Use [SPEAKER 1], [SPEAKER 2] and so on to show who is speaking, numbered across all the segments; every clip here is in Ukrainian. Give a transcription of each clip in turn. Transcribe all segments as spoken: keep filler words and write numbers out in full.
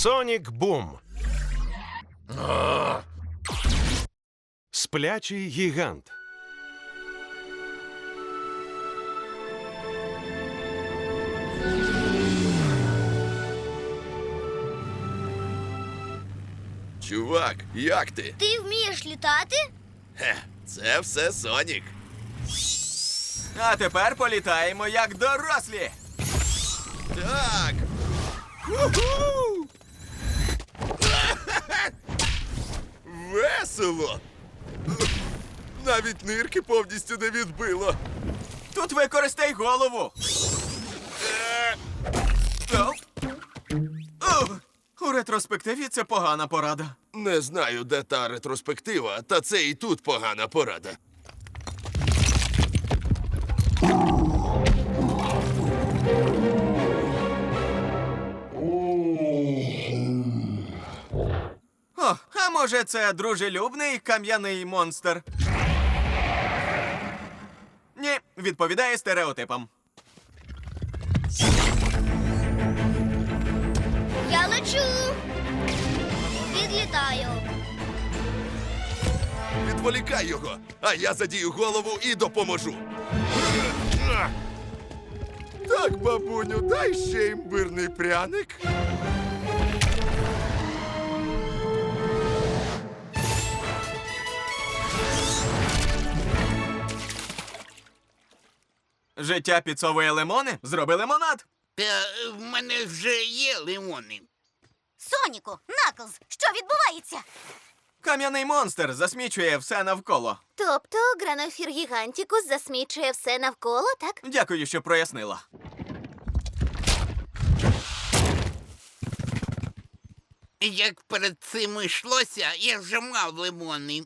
[SPEAKER 1] Сонік Бум. Сплячий гігант.
[SPEAKER 2] Чувак, як ти?
[SPEAKER 3] Ти вмієш літати?
[SPEAKER 2] Хе, це все Сонік.
[SPEAKER 4] А тепер політаємо як дорослі.
[SPEAKER 2] Так. Уху! Весело. Навіть нирки повністю не відбило.
[SPEAKER 4] Тут використай голову.
[SPEAKER 2] Е,
[SPEAKER 4] Оу. Оу. У ретроспективі це погана порада.
[SPEAKER 2] Не знаю, де та ретроспектива, та це і тут погана порада.
[SPEAKER 4] О, а може це дружелюбний кам'яний монстр? Ні, відповідає стереотипам.
[SPEAKER 3] Я лечу. Відлітаю.
[SPEAKER 2] Відволікай його, а я задію голову і допоможу. Так, бабуню, дай ще імбирний пряник.
[SPEAKER 4] Життя підсовує лимони, зроби лимонад.
[SPEAKER 5] Та е, в мене вже є лимони.
[SPEAKER 6] Соніку, Наклз, що відбувається?
[SPEAKER 4] Кам'яний монстр засмічує все навколо.
[SPEAKER 6] Тобто Гранофір Гігантікус засмічує все навколо, так?
[SPEAKER 4] Дякую, що прояснила.
[SPEAKER 5] Як перед цим йшлося, я вже мав лимони.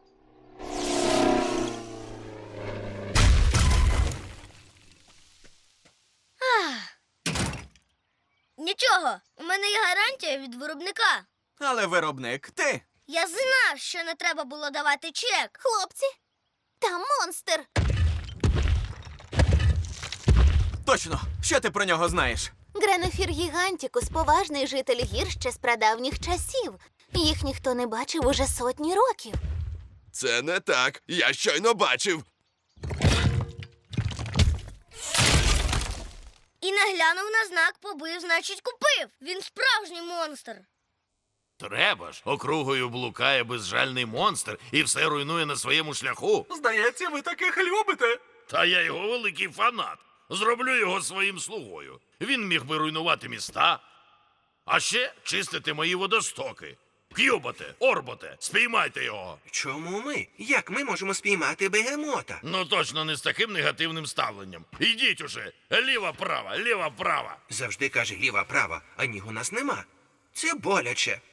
[SPEAKER 3] Нічого, у мене є гарантія від виробника.
[SPEAKER 4] Але виробник ти.
[SPEAKER 3] Я знав, що не треба було давати чек.
[SPEAKER 6] Хлопці, там монстр.
[SPEAKER 4] Точно, що ти про нього знаєш?
[SPEAKER 6] Гранофір Гігантікус – поважний житель гір ще з прадавніх часів. Їх ніхто не бачив уже сотні років.
[SPEAKER 2] Це не так. Я щойно бачив.
[SPEAKER 3] І наглянув на знак, побив, значить купив. Він справжній монстр.
[SPEAKER 7] Треба ж, округою блукає безжальний монстр і все руйнує на своєму шляху.
[SPEAKER 4] Здається, ви таких любите.
[SPEAKER 7] Та я його великий фанат. Зроблю його своїм слугою. Він міг би руйнувати міста, а ще чистити мої водостоки. К'юботе, Орботе, спіймайте його.
[SPEAKER 8] Чому ми? Як ми можемо спіймати бегемота?
[SPEAKER 7] Ну точно не з таким негативним ставленням. Ідіть уже, ліва-права, ліва-права.
[SPEAKER 8] Завжди каже ліва-права, а ніг у нас нема. Це боляче.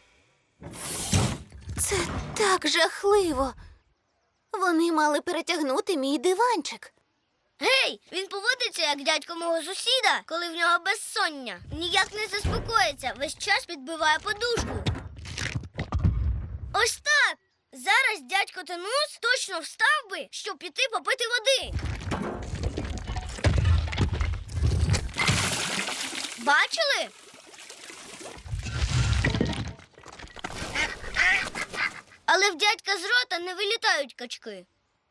[SPEAKER 6] Це так жахливо. Вони мали перетягнути мій диванчик.
[SPEAKER 3] Гей, він поводиться, як дядько мого сусіда, коли в нього безсоння. Ніяк не заспокоїться, весь час підбиває подушку. Ось так. Зараз дядько Тенус точно встав би, щоб піти попити води. Бачили? Але в дядька з рота не вилітають качки.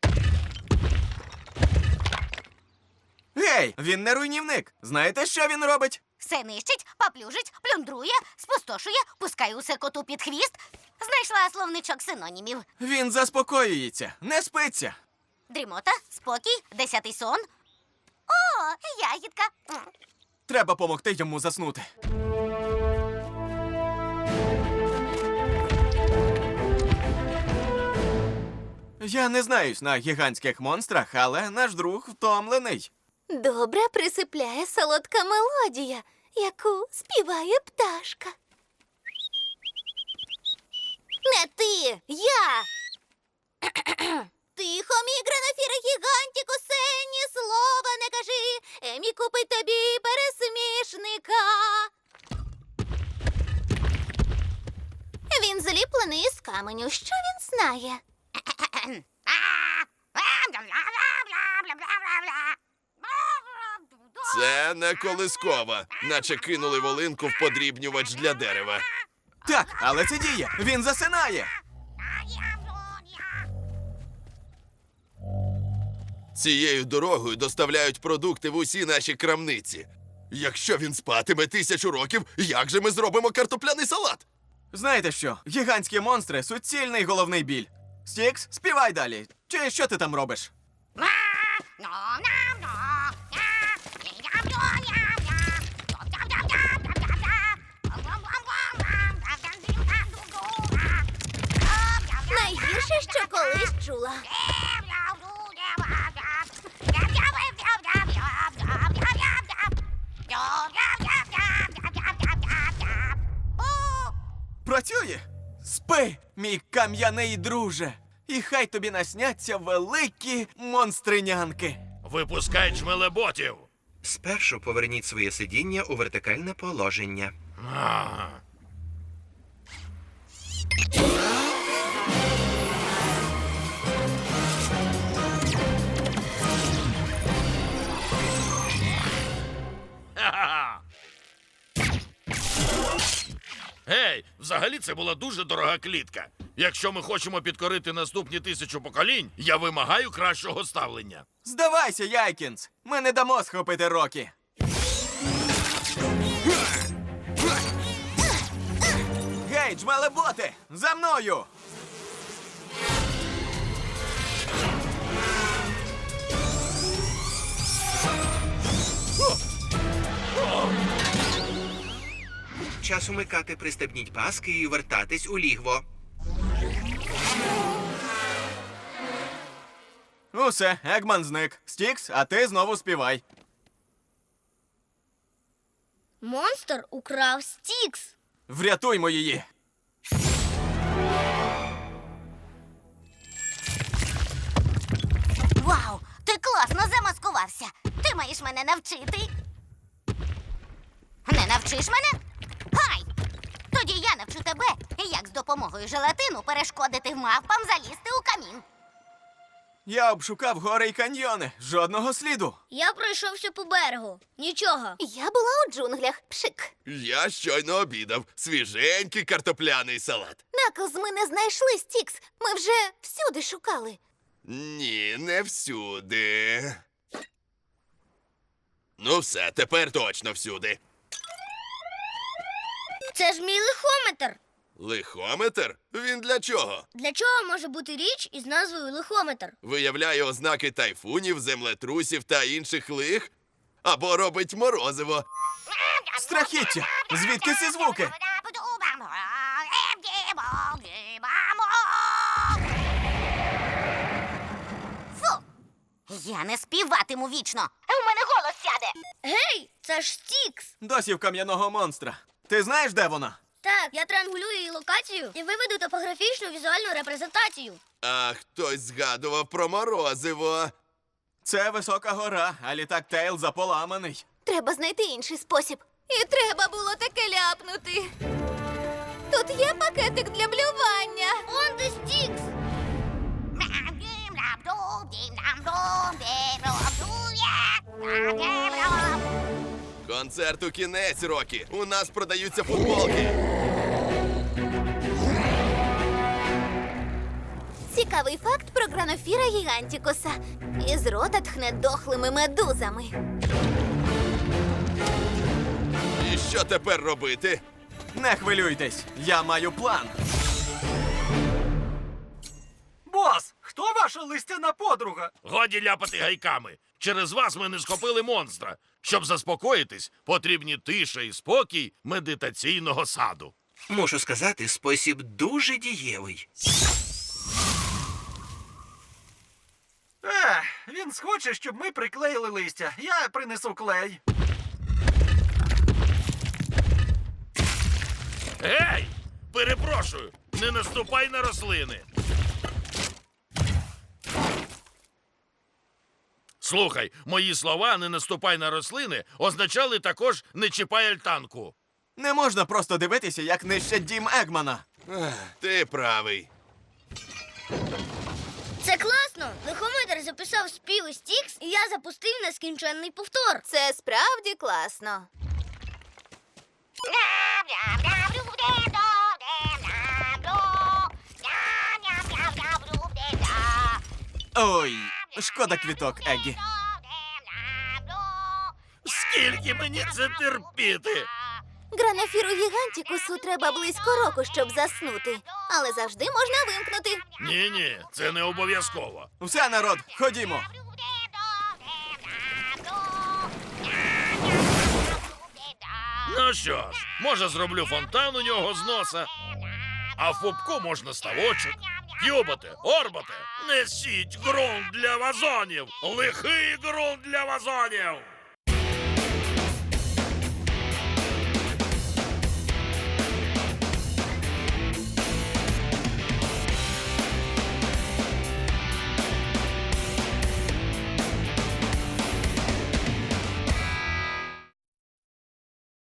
[SPEAKER 4] Гей, він не руйнівник. Знаєте, що він робить?
[SPEAKER 6] Все нищить, поплюжить, плюндрує, спустошує, пускає усе коту під хвіст. Знайшла словничок синонімів.
[SPEAKER 4] Він заспокоюється, не спиться.
[SPEAKER 6] Дрімота, спокій, десятий сон. О, ягідка. М.
[SPEAKER 4] Треба помогти йому заснути. Я не знаюсь на гігантських монстрах, але наш друг втомлений.
[SPEAKER 6] Добре присипляє солодка мелодія, яку співає пташка. Не ти, я. Тихо, мій Гранофіре Гігантікусе, ні слова не кажи. Емі купить тобі пересмішника. Він зліплений із каменю. Що він знає?
[SPEAKER 2] Це не колискова, наче кинули волинку в подрібнювач для дерева.
[SPEAKER 4] Так, але це діє. Він засинає.
[SPEAKER 2] Цією дорогою доставляють продукти в усі наші крамниці. Якщо він спатиме тисячу років, як же ми зробимо картопляний салат?
[SPEAKER 4] Знаєте що? Гігантські монстри – суцільний головний біль. Стікс, співай далі. Чи що ти там робиш?
[SPEAKER 6] Найгірше, що колись чула.
[SPEAKER 4] Працює? Спи, мій кам'яний друже. І хай тобі насняться великі монстринянки.
[SPEAKER 7] Випускай джмелеботів.
[SPEAKER 8] Спершу поверніть своє сидіння у вертикальне положення.
[SPEAKER 7] А. Ха-ха-ха. Гей, взагалі це була дуже дорога клітка. Якщо ми хочемо підкорити наступні тисячу поколінь, я вимагаю кращого ставлення.
[SPEAKER 4] Здавайся, Яйкінс. Ми не дамо схопити Рокі. Гей, джмелеботи! За мною!
[SPEAKER 8] Час умикати, пристебніть паски і вертатись у лігво.
[SPEAKER 4] Усе, Егман зник. Стікс, а ти знову співай.
[SPEAKER 3] Монстр украв Стікс.
[SPEAKER 4] Врятуймо її.
[SPEAKER 6] Вау, ти класно замаскувався. Ти маєш мене навчити. Не навчиш мене? Гай! Тоді я навчу тебе, як з допомогою желатину перешкодити мавпам залізти у камін.
[SPEAKER 4] Я обшукав гори й каньйони. Жодного сліду.
[SPEAKER 3] Я пройшовся по берегу. Нічого.
[SPEAKER 6] Я була у джунглях. Пшик.
[SPEAKER 2] Я щойно обідав. Свіженький картопляний салат.
[SPEAKER 6] Наклз, ми не знайшли Стікс. Ми вже всюди шукали.
[SPEAKER 2] Ні, не всюди. Ну все, тепер точно всюди.
[SPEAKER 3] Це ж мій лихометр.
[SPEAKER 2] Лихометр? Він для чого?
[SPEAKER 3] Для чого може бути річ із назвою лихометр?
[SPEAKER 2] Виявляє ознаки тайфунів, землетрусів та інших лих? Або робить морозиво?
[SPEAKER 4] Страхіття! Звідки ці звуки?
[SPEAKER 6] Фу! Я не співатиму вічно. У мене голос сяде.
[SPEAKER 3] Гей, це ж Стікс.
[SPEAKER 4] Досі в кам'яного монстра. Ти знаєш, де вона?
[SPEAKER 3] Так, я триангулюю її локацію і виведу топографічну візуальну репрезентацію.
[SPEAKER 2] А хтось згадував про морозиво.
[SPEAKER 4] Це висока гора, а літак Тейл заполаманий.
[SPEAKER 6] Треба знайти інший спосіб. І треба було таке ляпнути. Тут є пакетик для блювання.
[SPEAKER 3] Он де Стікс.
[SPEAKER 2] Концерту кінець, Рокі. У нас продаються футболки.
[SPEAKER 6] Цікавий факт про гранофіра гігантікуса. Із рота тхне дохлими медузами.
[SPEAKER 2] І що тепер робити?
[SPEAKER 4] Не хвилюйтесь, я маю план.
[SPEAKER 9] Бос, хто ваша листяна подруга?
[SPEAKER 7] Годі ляпати гайками. Через вас ми не схопили монстра. Щоб заспокоїтись, потрібні тиша і спокій медитаційного саду.
[SPEAKER 8] Мушу сказати, спосіб дуже дієвий.
[SPEAKER 9] Ех, він схоче, щоб ми приклеїли листя. Я принесу клей.
[SPEAKER 7] Гей! Перепрошую, не наступай на рослини. Слухай, мої слова «не наступай на рослини» означали також «не чіпай альтанку».
[SPEAKER 4] Не можна просто дивитися, як нищать дім Егмана.
[SPEAKER 2] Ех, ти правий.
[SPEAKER 3] Це класно. Лихометр записав співи Стікс, і я запустив нескінченний повтор.
[SPEAKER 6] Це справді класно.
[SPEAKER 4] Ой, шкода квіток, Егі.
[SPEAKER 7] Скільки мені це терпіти?
[SPEAKER 6] Гранафіру гігантікусу треба близько року, щоб заснути. Але завжди можна вимкнути.
[SPEAKER 7] Ні-ні, це не обов'язково.
[SPEAKER 4] Все, народ, ходімо.
[SPEAKER 7] Ну що ж, може зроблю фонтан у нього з носа, а в пупку можна ставочок. Кюбате, орбате, несіть ґрунт для вазонів! Лихий ґрунт для вазонів!